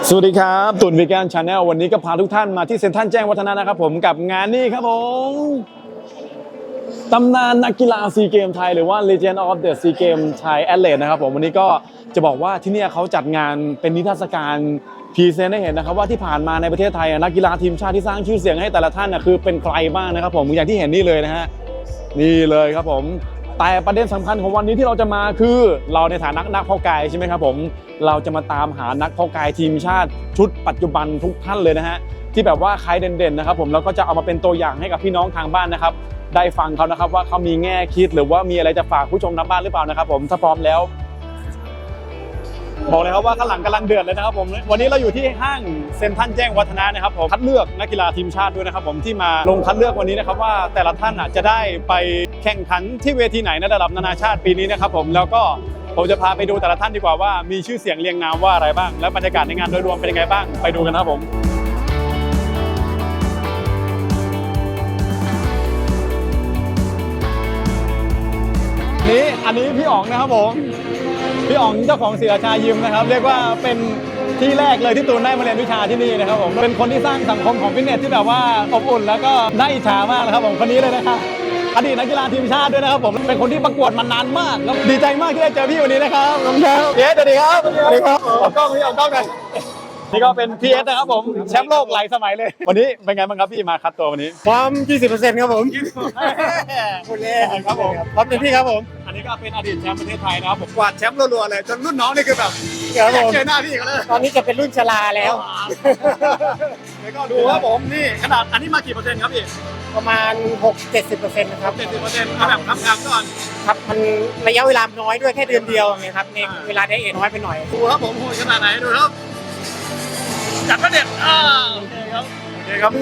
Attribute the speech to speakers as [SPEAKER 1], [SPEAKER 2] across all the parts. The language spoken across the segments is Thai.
[SPEAKER 1] สวัสดีครับตุ่นวีแกนชาแนลวันนี้ก็พาทุกท่านมาที่เซ็นทรัลแจ้งวัฒนะนะครับผมกับงานนี้ครับผมตำนานนักกีฬาซีเกมไทยหรือว่า Legend of the Sea Games Thai Athlete นะครับผมวันนี้ก็จะบอกว่าที่นี่เขาจัดงานเป็นนิทรรศการพรีเซนต์ให้เห็นนะครับว่าที่ผ่านมาในประเทศไทยนักกีฬาทีมชาติที่สร้างชื่อเสียงให้แต่ละท่านคือเป็นใครบ้างนะครับผมอย่างที่เห็นนี่เลยนะฮะนี่เลยครับผมแต่ประเด็นสำคัญของวันนี้ที่เราจะมาคือเราในฐานะนักเพาะกายใช่ไหมครับผมเราจะมาตามหานักเพาะกายทีมชาติชุดปัจจุบันทุกท่านเลยนะฮะที่แบบว่าใครเด่นๆนะครับผมแล้วก็จะเอามาเป็นตัวอย่างให้กับพี่น้องทางบ้านนะครับได้ฟังเขานะครับว่าเขามีแง่คิดหรือว่ามีอะไรจะฝากผู้ชมทางบ้านหรือเปล่านะครับผมถ้าพร้อมแล้วบอกเลยครับว่าข้างหลังกำลังเดือดเลยนะครับผมวันนี้เราอยู่ที่ห้างเซ็นทรัลแจ้งวัฒนะนะครับผมคัดเลือกนักกีฬาทีมชาติด้วยนะครับผมที่มาลงคัดเลือกวันนี้นะครับว่าแต่ละท่านจะได้ไปแข่งขันที่เวทีไหนในระดับนานาชาติปีนี้นะครับผมแล้วก็ผมจะพาไปดูแต่ละท่านดีกว่าว่ามีชื่อเสียงเรียงนามว่าอะไรบ้างและบรรยากาศในงานโดยรวมเป็นยังไงบ้างไปดูกันครับผมอันนี้พี่อ๋องนะครับผมพี่อ๋องเจ้าของศิลาชายิมนะครับเรียกว่าเป็นที่แรกเลยที่ตูนได้มาเรียนวิชาที่นี่นะครับผมเป็นคนที่สร้างสังคมของฟิตเนสที่แบบว่าอบอุ่นแล้วก็น่าอิจฉามากนะครับผมคนนี้เลยนะครับอดีตนักกีฬาทีมชาติด้วยนะครับผมเป็นคนที่ประกวดมานานมากแล้วดีใจมากที่ได้เจอพี่วันนี้นะครับน้องแชมป์สวัสดีครับสวัสดีครับออกกล้องพี่ออกกล้องกันนี่ก็เป็นพีเอสนะครับผมแชมป์โลกหลายสมัยเลยวันนี้เป็นไงบ้างครับพี่มาคัดตัววันนี้
[SPEAKER 2] ความ 20% ครับผมคุณเล่ครับผมพร้อมเต็มที่ครับผม
[SPEAKER 1] อันนี้ก็เป็นอดีตแชมป์ประเทศไทยนะครับผมกวาดแชมป์รัวๆเลยจนรุ่นน้องนี่คือแบบอยากเจอหน้าพี่กันเลย
[SPEAKER 2] ตอนนี้จะเป็นรุ่นชราแล้ว
[SPEAKER 1] แล้วก็ดูครับผมนี่ขนาดอันนี้มากี่เปอร์เซ็นต์ครับพี่
[SPEAKER 2] ประมาณ 6-70% นะครับ
[SPEAKER 1] 70%เอาแบบคำๆก่อน
[SPEAKER 2] ครับมันระยะเวลาน้อยด้วยแค่เดือนเดียวนะครับในเวลาได้เอน้อยไปหน่อย
[SPEAKER 1] ดูครับผมโหดขนาดไหนดูครับจัดประเด็นโอเคครับโอเคครับ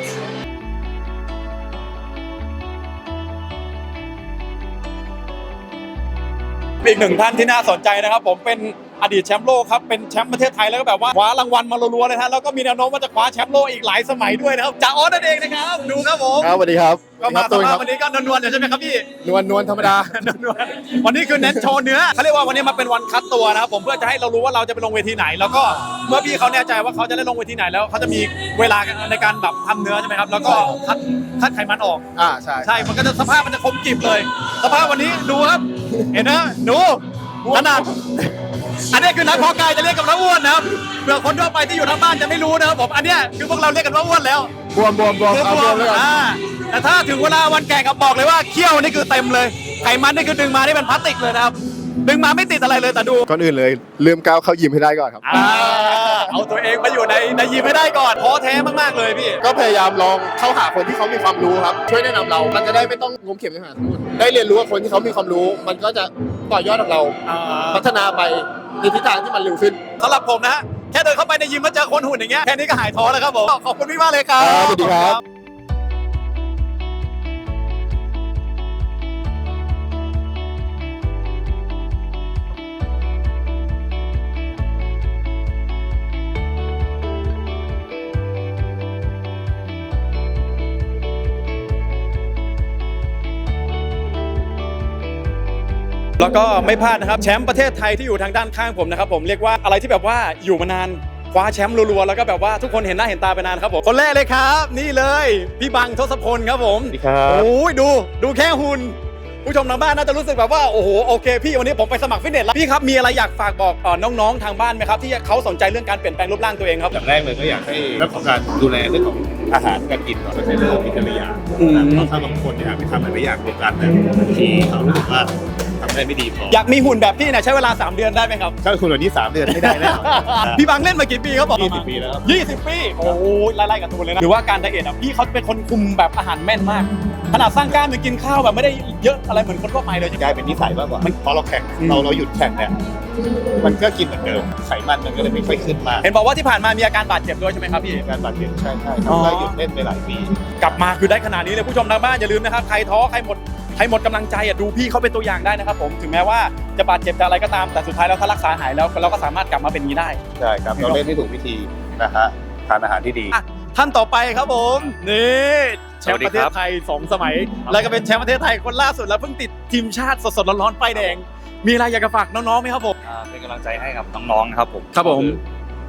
[SPEAKER 1] อีกหนึ่งท่านที่น่าสนใจนะครับผมเป็นอดีตแชมป์โลกครับเป็นแชมป์ประเทศไทยแล้วก็แบบว่าคว้ารางวัลมารัวๆเลยฮะแล้วก็มีแนวโน้มว่าจะคว้าแชมป์โลกอีกหลายสมัยด้วยนะครับจ่าออสนั่นเองนะครับดูครับผม
[SPEAKER 3] ครับสวัสดีครับ
[SPEAKER 1] ก็มาสภาพวันนี้ก็นวลๆใช่ไหมครับพี่
[SPEAKER 3] นวลธรรมดา
[SPEAKER 1] วันนี้คือเน้นโชว์เนื้อเขาเรียกว่าวันนี้มาเป็นวันคัดตัวนะครับผมเพื่อจะให้เรารู้ว่าเราจะไปลงเวทีไหนแล้วก็เมื่อพี่เขาแน่ใจว่าเขาจะได้ลงเวทีไหนแล้วเขาจะมีเวลาในการแบบทำเนื้อใช่ไหมครับแล้วก็คัดไขมันออกใช่มันก็จะสภาพมันจะคมกริบเลยสภาพวันนี้ดูครับเห็นนะดูขนาดอันนี้คือนักเพาะกายจะเรียกกันว่าอ้วนนะครับเผื่อคนทั่วไปที่อยู่ทางบ้านจะไม่รู้นะครับผมอันนี้คือพวกเราเรียกกันว่าอ้วนแล้ว
[SPEAKER 3] บวม
[SPEAKER 1] แต่ถ้าถึงเวลาวันแข่งครับบอกเลยว่าเขี้ยวนี่คือเต็มเลยไขมันนี่คือดึงมานี่เป็นพลาสติกเลยนะครับดึงมาไม่ติดอะไรเลยแต่ดู
[SPEAKER 3] ก่อนอื่นเลยลืมก้าวเข้ายิมให้ได้ก่อนครับ
[SPEAKER 1] เอาตัวเองมาอยู่ในยิมให้ได้ก่อนท้อแท้มากๆเลยพี่
[SPEAKER 3] ก็พยายามลองเข้าหาคนที่เขามีความรู้ครับช่วยแนะนำเรามันจะได้ไม่ต้องงมเข็มในหาสมุดได้เรียนรู้กับคนที่เขามีความรู้มันก็จะต่อยอดของเราพัฒนาไปในทิศทางที่มันเร็วขึ้น
[SPEAKER 1] สำหรับผมนะแค่เดินเข้าไปในยิมมาเจอคนหุ่นอย่างเงี้ยแค่นี้ก็หายท้อแล้วครับผมขอบคุณพี่มากเลยครับ
[SPEAKER 3] สวัสดีครับ
[SPEAKER 1] แล้วก็ไม่พลาดนะครับแชมป์ประเทศไทยที่อยู่ทางด้านข้างผมนะครับผมเรียกว่าอะไรที่แบบว่าอยู่มานานคว้าแชมป์รัวๆแล้วก็แบบว่าทุกคนเห็นหน้าเห็นตาไปนานครับผมคนแรกเลยครับนี่เลยพี่บังทศพลครับผม
[SPEAKER 3] สวัสดีครับ
[SPEAKER 1] โอ้ยดูแค่หุ่นผู้ชมทางบ้านน่าจะรู้สึกแบบว่าโอ้โหโอเคพี่วันนี้ผมไปสมัครฟิตเนสแล้วพี่ครับมีอะไรอยากฝากบอกน้องๆทางบ้านไหมครับที่เขาสนใจเรื่องการเปลี่ยนแปลงรูปร่างตัวเองครับ
[SPEAKER 4] อย่างแรกเลยก็อยากให้เรื่องของการดูแลเรื่องของอาหารการกินก่อนในเรื่องของกินแต่ละอย่างเพราะถ้าบางคนอยากไปทำหลายอย่างเดียวกันเนี่ยที่เขารู้สึกว่าทำได้ไม่ดีพอ
[SPEAKER 1] อยากมีหุ่นแบบพี่เนี่ยใช้เวลา3 เดือนได้ไหมครับ
[SPEAKER 4] ถ้าคุณวันนี้3 เดือนไม่ได้แล้ว
[SPEAKER 1] พี่บังเล่นมากี่ปีครับบอก
[SPEAKER 4] 20 ปีแล้ว
[SPEAKER 1] 20 ปีโอ้ยไล่ๆกับตัวเลยนะหรือว่าการไดเอทพี่เขาเป็นคนคุมแบบอาหารแม่นมากขนาดสร้างกล้ามยังกินข้าวแบบไม่ได้เยอะอะไรเหมือนคนทั่วไปเลย
[SPEAKER 4] กลายเป็นนิสัยมากกว่าพอเราแข่งเราหยุดแข่งเนี่ยมันก็กินเหมือนเดิมไขมันมันก็เลยไม่ค่อยขึ้นมา
[SPEAKER 1] เห็นบอกว่าที่ผ่านมามีอาการบาดเจ็บด้วยใช่ไหมครับพี่
[SPEAKER 4] การบาดเจ็บใช่ทำให้หยุดเล่นไปหลายปี
[SPEAKER 1] กลับมาคือได้ขนาดนี้เลยผู้ชมทางบ้านอย่าลืมนะครับใครท้อใครหมดกำลังใจดูพี่เขาเป็นตัวอย่างได้นะครับผมถึงแม้ว่าจะบาดเจ็บจะอะไรก็ตามแต่สุดท้ายแล้วถ้ารักษาหายแล้วเราก็สามารถกลับมาเป็นนี้ได้
[SPEAKER 4] ใช่ครับเราเล่นให้ถูกวิธีนะฮะทานอาหารที่ดี
[SPEAKER 1] ท่านต่อไปครับผมนี่แชมป์ประเทศไทย2 สมัยแล้วก็เป็นแชมป์ประเทศไทยคนล่าสุดแล้วเพิ่งติดทีมชาติสดๆร้อนๆป้ายแดงมีอะไรอยากจะฝากน้องๆไหมครับผม
[SPEAKER 5] เป็นกำลังใจให้กับน้องๆนะครับผม
[SPEAKER 1] ครับผม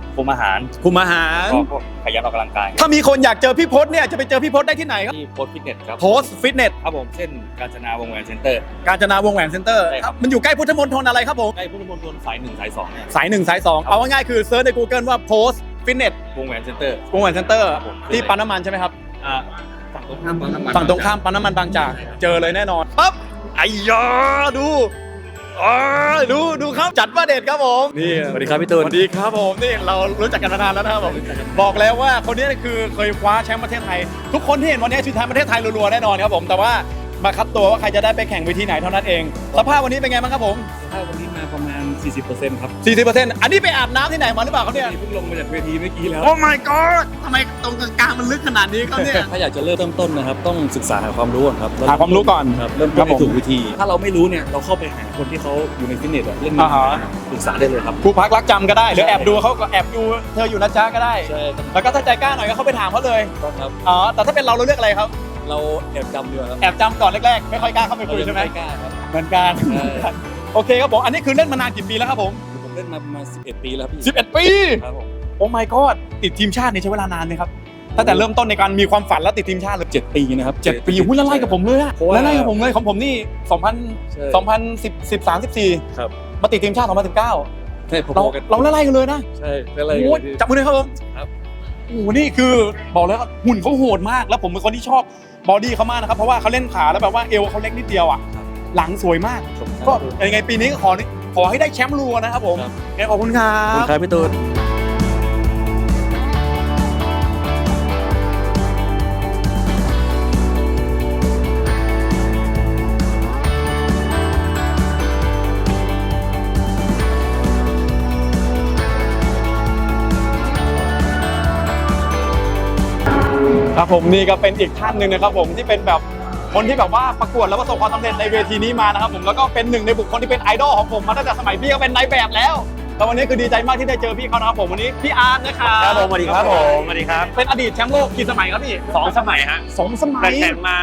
[SPEAKER 5] คุมอาหาร
[SPEAKER 1] คุมอาหาร
[SPEAKER 5] ก็ขยันออกกำลังกาย
[SPEAKER 1] ถ้ามีคนอยากเจอพี่พศเนี่ยจะไปเจอพี่พศได้ที่ไหนครับ
[SPEAKER 5] ที่โพสฟิตเนสครับ
[SPEAKER 1] โพสฟิตเนส
[SPEAKER 5] ครับผมเส้นกาญจนาวงแหวนเซ็นเตอร์
[SPEAKER 1] กาญจนาวงแหวนเซ็นเตอร์
[SPEAKER 5] ใช่ครับ
[SPEAKER 1] มันอยู่ใกล้พุทธมณฑลอะไรครับผม
[SPEAKER 5] ใกล้พุทธมณฑลสาย1สาย2เนี่ย
[SPEAKER 1] สาย1สาย2เอาง่ายๆคือเซิร์ชใน Google ว่าโพสฟิตเนส
[SPEAKER 5] วงแหวนเซ็นเตอร์
[SPEAKER 1] วงแหวนเซ็นเตอร์
[SPEAKER 5] ครับผม
[SPEAKER 1] ที่ปั๊มน้ำมันใช่ไหมครับ
[SPEAKER 5] ฝั่งตรงข้ามปั๊มน้ำมัน
[SPEAKER 1] ฝั่งตรงข้ามปั๊มน้ำมันบางจากเจอเลยแน่นอนปั๊บไอ้ยาดูอ๋อดูครับจัดว่าเด็ดครับผมนี่
[SPEAKER 5] สวัสดีครับพี่ตู
[SPEAKER 1] ส
[SPEAKER 5] น
[SPEAKER 1] วัสดีครับผมนี่เรารู้จักกันมานานแล้วนะครับผมบอกแล้วว่าคนนี้คือเคยคว้าแชมป์ประเทศไทย ทุกคนที่เห็นวันนี้คือแชมป์ประเทศไทยรัวๆแน่นอนครับผมแต่ว่ามาคัดตัวว่าใครจะได้ไปแข่งเวทีไหนเท่านั้นเองสภาพวันนี้เป็นไงบ้างครับผม
[SPEAKER 5] ถ้าวันนี้มาประมาณ 40%ครับ
[SPEAKER 1] 40%อันนี้ไปอาบน้ำที่ไหนมาหรือเปล่าครับเนี่ย
[SPEAKER 5] เพิ่งลงมาจากเวทีเมื่อกี้แล้ว
[SPEAKER 1] โอ้ my god ทำไมตรงกลางมันลึกขนาดนี้ครับเนี่ย
[SPEAKER 5] ถ้าอยากจะเริ่มต้นนะครับต้องศึกษาหาความรู้ก่อนครับ
[SPEAKER 1] หาความรู้ก่อน
[SPEAKER 5] ครับเริ่ม
[SPEAKER 1] ครั
[SPEAKER 5] ต้
[SPEAKER 1] บ
[SPEAKER 5] น
[SPEAKER 1] ผม
[SPEAKER 5] ให้ถูกวิธี ถ้าเราไม่รู้เนี่ยเราเข้าไปหาคนที่เขาอยู่ในฟิตเนสอะเล่น
[SPEAKER 1] อ่าฮะ
[SPEAKER 5] ปรึกษาได้เลยครับ
[SPEAKER 1] ครูพักรักจำก็ได้หรือแอบดูเขาก็แอบดูเธออยู่นะจ๊ะก็ได้
[SPEAKER 5] ใช่ครับ
[SPEAKER 1] แล้วก็ถ้าใจกล้าหน่อยก็เข้าไปถามเขาเลย
[SPEAKER 5] ครับ
[SPEAKER 1] อ๋อแต่ถ้าเป็นเราเลือกอะไรครับ
[SPEAKER 5] เราแอบจำดีกว่าครับ
[SPEAKER 1] แอบจำก่อนแรกๆไม่ค่อยกล้าเข้าไปคุยใช่ไหม
[SPEAKER 5] เรายังกล้าครับ
[SPEAKER 1] เหมือนกัน
[SPEAKER 5] ใช่
[SPEAKER 1] โอเคครับผมอันนี้คือเล่นมานานกี่ปีแล้วครับผม
[SPEAKER 5] ผมเล่นมาประมาณ11 ปีแล้วพี่
[SPEAKER 1] 11 ปี
[SPEAKER 5] ครับผม
[SPEAKER 1] โอ้ my god ติดทีมชาตินี่ใช้เวลานานไหมครับตั้งแต่เริ่มต้นในการมีความฝันแล้วติดทีมชาติเลย
[SPEAKER 5] 7 ปีนะครับ
[SPEAKER 1] 7 ปีหุ้ยละไล่กับผมเลยอะ
[SPEAKER 5] เพราะว่า
[SPEAKER 1] ละไล่กับผมเลยของผมนี่
[SPEAKER 5] ใช่
[SPEAKER 1] 2013 14
[SPEAKER 5] ครับ
[SPEAKER 1] มาติดทีมชาติ 2019
[SPEAKER 5] ใช่พ
[SPEAKER 1] เรา
[SPEAKER 5] อๆกัน
[SPEAKER 1] เราละไล่กันเลยนะ
[SPEAKER 5] ใช่อะไร
[SPEAKER 1] โอ้ยจับมือเลยครับผม
[SPEAKER 5] ครับ
[SPEAKER 1] โอ้โหนี่คือบอกเลยว่าหุ่นเขาโหดมาก แล้วผมเป็นคนที่ชอบบอดี้เขามากนะครับ เพราะว่าเขาเล่นขาแล้วแบบว่าเอวเขาเล็กนิดเดียวอ่ะ หลังสวยมาก ก็ยังไงปีนี้ก็ขอให้ได้แชมป์รัวนะครับผม
[SPEAKER 5] ครับ
[SPEAKER 1] งั้นขอบคุณครั
[SPEAKER 5] ขอบคุ
[SPEAKER 1] บ
[SPEAKER 5] ณครับพี่ตูน
[SPEAKER 1] ครับผมนี่ก็เป็นอีกท่านหนึ่งนะครับผมที่เป็นแบบคนที่แบบว่าประกวดแล้วประสบความสำเร็จในเวทีนี้มานะครับผมแล้วก็เป็นหนึ่งในบุคคลที่เป็นไอดอลของผมมาตั้งแต่สมัยพี่ก็เป็นนายแบบแล้วแต่วันนี้คือดีใจมากที่ได้เจอพี่เขานะครับผมวันนี้พี่อาร์ตนะครับ
[SPEAKER 6] ครับผมสวัสดีครับผมสวัสดีครับ
[SPEAKER 1] เป็นอดีตแชมป์โลกกี่สมัยครับพี่
[SPEAKER 6] 2 สมัยฮะ
[SPEAKER 1] 2 สมั
[SPEAKER 6] แต่
[SPEAKER 1] ย
[SPEAKER 6] แข่งมา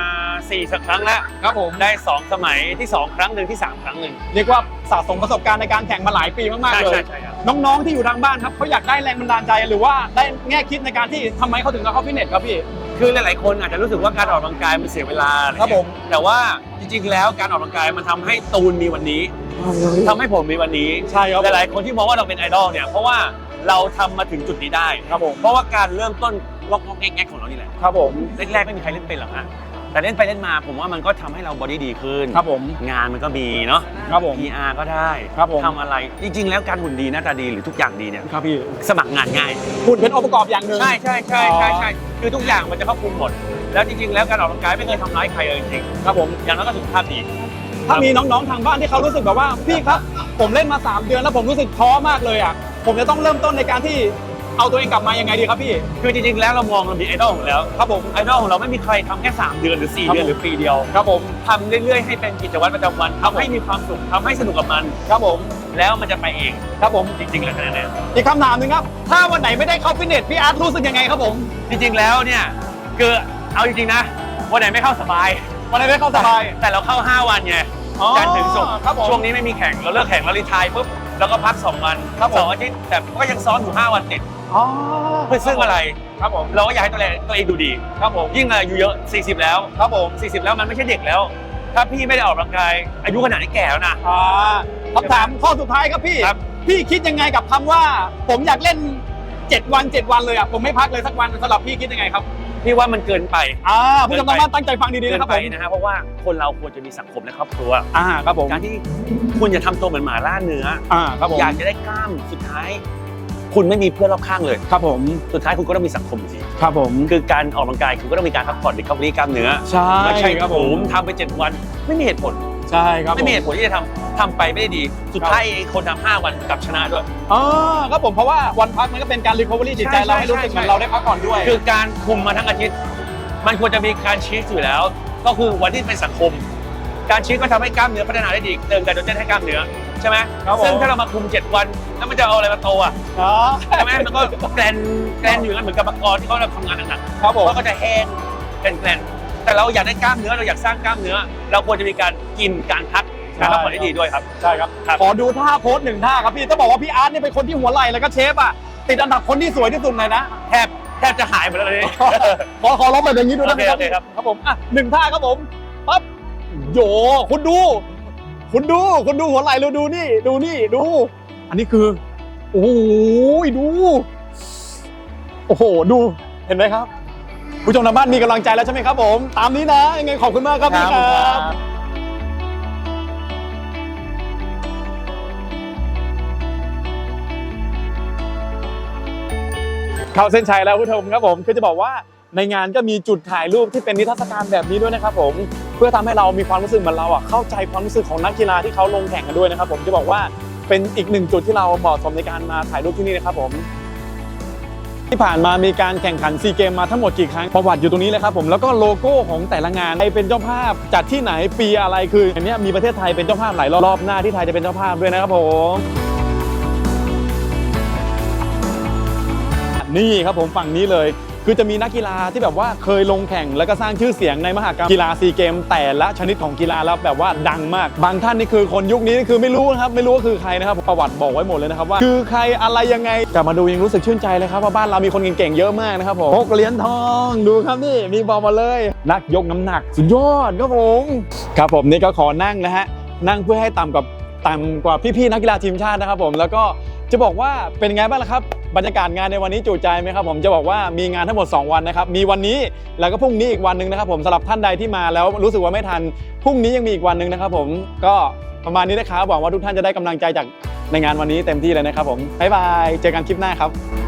[SPEAKER 6] 4 สักครั้งแล้ว
[SPEAKER 1] ครับผม
[SPEAKER 6] ได้ 2 สมัยที่ 2 ครั้งหนึ่งที่ 3 ครั้งหนึ่ง
[SPEAKER 1] เรียกว่าสะสมประสบการณ์ในการแข่งมาหลายปีมากๆ
[SPEAKER 6] ใช่
[SPEAKER 1] เลย
[SPEAKER 6] ใช่ใช่ครับ
[SPEAKER 1] น้องๆที่อยู่ทางบ้านครับเขาอยากได้แรงบันดาลใจหรือว่าได้แง่คิดในการที่ทำไมเขาถึงเข้าฟิตเนสครับพี่
[SPEAKER 6] คือหลายๆคนอาจจะรู้สึกว่าการออกกำลังกายมันเสียเวลาอะไเงี้ย
[SPEAKER 1] ครับผม
[SPEAKER 6] แต่ว่าจริงๆแล้วการออกกำลังกายมันทำให้ตูนมีวันนี้ทำให้ผมมีวันนี้
[SPEAKER 1] ใช่ครับ
[SPEAKER 6] หลายๆคนที่มองว่าเราเป็นไอดอลเนี่ยเพราะว่าเราทำมาถึงจุดนี้ได้
[SPEAKER 1] ครับผม
[SPEAKER 6] เพราะว่าการเริ่มต้นล็อกๆแง่ๆของเรานี่แหละ
[SPEAKER 1] ครับผม
[SPEAKER 6] แรกๆไม่มีใครเล่นเป็นหรอกฮะแต่เล่นไปเล่นมาผมว่ามันก็ทำให้เราบอดี้ดีขึ้น
[SPEAKER 1] ครับผม
[SPEAKER 6] งานมันก็มีเนาะ
[SPEAKER 1] ครับผม
[SPEAKER 6] PR ก็ได้
[SPEAKER 1] ครับผม
[SPEAKER 6] ทำอะไรจริง ๆ แล้วการหุ่นดีหน้าตาดีหรือทุกอย่างดีเนี่ย
[SPEAKER 1] ครับพี่
[SPEAKER 6] สมัครงานง่าย
[SPEAKER 1] หุ่นเป็นองค์ประกอบอย่างหนึ่ง
[SPEAKER 6] ใช่ใช่ใช่ใช่ใช่คือทุกอย่างมันจะครอบคลุมหมด แล้วจริง ๆ แล้วการออกกำลังกายไม่เคยทำร้ายใครเลยจริง
[SPEAKER 1] ครับผม
[SPEAKER 6] ๆอย่างน้อยก็สุขภาพดี
[SPEAKER 1] ถ้ามีน้องๆทางบ้านที่เขารู้สึกแบบว่าพี่ครับผมเล่นมา 3 เดือนแล้วผมรู้สึกท้อมากเลยอ่ะผมจะต้องเริ่มต้นในการที่เอาตัวเองกลับมายังไงดีครับพี่
[SPEAKER 6] คือจริง ๆ แล้วเรามองเรามีไอดอลของเราแล้ว
[SPEAKER 1] ครับผม
[SPEAKER 6] ไอดอลของเราไม่มีใครทำแค่ 3 เดือนหรือ 4
[SPEAKER 1] ครับ
[SPEAKER 6] เดือนหรือปีเดียว
[SPEAKER 1] ครับผม
[SPEAKER 6] ทำเรื่อยๆให้เป็นกิจวัตรประจำวันทำให้มีความสุขทำให้สนุกกับมัน
[SPEAKER 1] ครับผม
[SPEAKER 6] แล้วมันจะไปเอง
[SPEAKER 1] ครับผม
[SPEAKER 6] จริงๆแล้วขนาดนั้น
[SPEAKER 1] อีกคำถามหนึ่งครับถ้าวันไหนไม่ได้เข้าฟิตเนสพี่อาร์ตรู้สึกยังไงครับผม
[SPEAKER 6] จริงๆแล้วเนี่ยคือเอาจริงๆนะวันไหนไม่เข้าสบาย
[SPEAKER 1] วันไหนไม่เข้าสบาย
[SPEAKER 6] แต่เราเข้า 5 วันไง
[SPEAKER 1] อ๋อ
[SPEAKER 6] จันทร์ถึงศุกร์
[SPEAKER 1] ครับผม
[SPEAKER 6] ช่วงนี้ไม่มีแข่งเราเลิกแข่งเรารีไทายปุ๊บแล้วก็พัก 2 วัน
[SPEAKER 1] ครับผม
[SPEAKER 6] 2 อาทิตย์แต่ก็ยังซ้อมอยู่ 5 วันติด
[SPEAKER 1] อ๋อ
[SPEAKER 6] เพื่อซึ่งอะไร
[SPEAKER 1] ครับผม
[SPEAKER 6] เราก็อยากให้ตัวเองดูดี
[SPEAKER 1] ครับผม
[SPEAKER 6] ยิ่งอายุเยอะ 40 แล้ว
[SPEAKER 1] ครับผม
[SPEAKER 6] 40 แล้วมันไม่ใช่เด็กแล้ว ถ้าพี่ไม่ได้ออกกำลังกายอายุขนาดนี้แก่แล้วนะ
[SPEAKER 1] คำถามข้อสุดท้ายครับพี่
[SPEAKER 6] ครับ
[SPEAKER 1] พี่คิดยังไงกับคำว่า ผมอยากเล่น 7 วัน 7 วันเลยอ่ะผมไม่พักเลยสักวันสำหรับพี่คิดยังไงครับ
[SPEAKER 6] พี่ว่ามันเกินไป
[SPEAKER 1] ผู้ชมทางบ้านตั้งใจฟังดีๆ
[SPEAKER 6] เกิ
[SPEAKER 1] นะครับ
[SPEAKER 6] ไป
[SPEAKER 1] ผม
[SPEAKER 6] นะฮะเพราะว่าคนเราควรจะมีสังคมและครอบครัว
[SPEAKER 1] ครับผม
[SPEAKER 6] การที่คุณอย่าทำตัวเหมือนหมาล่าเนื้อ
[SPEAKER 1] ครับผม
[SPEAKER 6] อยากจะได้กล้ามสุดท้าย คุณไม่มีเพื่อนรอบข้างเลย
[SPEAKER 1] ครับผม
[SPEAKER 6] สุดท้ายคุณก็ต้องมีสังคมสิ
[SPEAKER 1] ครับผม
[SPEAKER 6] คือการออกกำลังกายคุณก็ต้องมีการพักผ่อนหรือคับรีกล้ามเนื้อ
[SPEAKER 1] ใช่
[SPEAKER 6] ไม่ใช่
[SPEAKER 1] ครับ
[SPEAKER 6] ผ
[SPEAKER 1] ผม
[SPEAKER 6] มทำไป 7 วันไม่มีเหตุผล
[SPEAKER 1] ใช่ครับ
[SPEAKER 6] ไม่มีเหตุผลที่จะทำไปไม่ได้ดี สุดท้ายคนทำ5 วันกลับชนะด้วย
[SPEAKER 1] ครับผมเพราะว่าวันพักมันก็เป็นการรีคอเวอรี่จิตใจ
[SPEAKER 6] ใช่
[SPEAKER 1] เราให้รู้สึกเหมือนเราได้พักผ่อนด้วย
[SPEAKER 6] คือการคุมมาทั้งอาทิตย์ มันควรจะมีการชีสอยู่แล้ว ก็คือวันที่เป็นสังคม การชีสก็ทำให้กล้ามเนื้อพัฒนาได้ดีเติมไกลโดเจนให้กล้ามเนื้อใช่ไหม
[SPEAKER 1] ครับผม
[SPEAKER 6] ซึ่งถ้าเรามาคุม 7 วันแล้วมันจะเอาอะไรมาโตอ่ะใช่ไหมมันก็แกลนอยู่งั้นเหมือนกับมังกรที่เขาทำงานหนักๆ
[SPEAKER 1] ครับผม
[SPEAKER 6] เขาก็จะแห้งแกลนแต่เราอยากได้กล้ามเนื้อเราอยากสร้างกล้ามเนื้อ เราควรจะมีการกินการพักการพักผ่อนให้ดีด้วยครับ
[SPEAKER 1] ใช่ครับ
[SPEAKER 6] ครับ
[SPEAKER 1] ขอดูท่าโพส1 ท่าครับพี่ต้องบอกว่าพี่อาร์ตเนี่ยเป็นคนที่หัวไหล่แล้วก็เชฟอ่ะติดอันดับคนที่สวยที่สุดเลยนะ
[SPEAKER 6] แทบจะหายหมดแล้วเลย
[SPEAKER 1] ขอร้องแบบอย่างนี้ด้วยได้ไหมครับ
[SPEAKER 6] โอเคครับ
[SPEAKER 1] ครับผมอ่ะ1 ท่าครับผมปั๊บโยคุณดูหัวไหล่เราดูนี่ดู อันนี้คือโอ้โหดูโอ้โหดูเห็นไหมครับผู้ชมทางบ้านมีกำลังใจแล้วใช่ไหมครับผมตามนี้นะยังไงขอบคุณมากครับพี่ครับเข้าเส้นชัยแล้วผู้ชมครับผมคือจะบอกว่าในงานก็มีจุดถ่ายรูปที่เป็นนิทรรศการแบบนี้ด้วยนะครับผมเพื่อทำให้เรามีความรู้สึกเหมือนเราเข้าใจความรู้สึกของนักกีฬาที่เขาลงแข่งกันด้วยนะครับผมจะบอกว่าเป็นอีก1 จุดที่เราเหมาะสมในการมาถ่ายรูปที่นี่นะครับผมที่ผ่านมามีการแข่งขันซีเกมมาทั้งหมดกี่ครั้งประวัติอยู่ตรงนี้เลยครับผมแล้วก็โลโก้ของแต่ละงานใครเป็นเจ้าภาพจัดที่ไหนปีอะไรคืออันนี้มีประเทศไทยเป็นเจ้าภาพหลายรอบหน้าที่ไทยจะเป็นเจ้าภาพด้วยนะครับผมนี่ครับผมฝั่งนี้เลยคือจะมีนักกีฬาที่แบบว่าเคยลงแข่งแล้วก็สร้างชื่อเสียงในมหกรรมกีฬาซีเกมแต่ละชนิดของกีฬาแล้วแบบว่าดังมากบางท่านนี่คือคนยุคนี้นี่คือไม่รู้นะครับไม่รู้ว่าคือใครนะครับประวัติบอกไว้หมดเลยนะครับว่าคือใครอะไรยังไงกลับมาดูยังรู้สึกชื่นใจเลยครับว่าบ้านเรามีคนเก่งๆเยอะมากนะครับผม6 เหรียญทองดูครับนี่มีบอกมาเลยนักยกน้ำหนักสุดยอดครับผมนี่ก็ขอนั่งนะฮะนั่งเพื่อให้ต่ำกว่าพี่ๆนักกีฬาทีมชาตินะครับผมแล้วก็จะบอกว่าเป็นไงบ้างล่ะครับบรรยากาศงานในวันนี้จุใจไหมครับผมจะบอกว่ามีงานทั้งหมด2 วันนะครับมีวันนี้แล้วก็พรุ่งนี้อีกวันหนึ่งนะครับผมสำหรับท่านใดที่มาแล้วรู้สึกว่าไม่ทันพรุ่งนี้ยังมีอีกวันหนึ่งนะครับผมก็ประมาณนี้นะครับหวังว่าทุกท่านจะได้กำลังใจจากในงานวันนี้เต็มที่เลยนะครับผมบ๊ายบายเจอกันคลิปหน้าครับ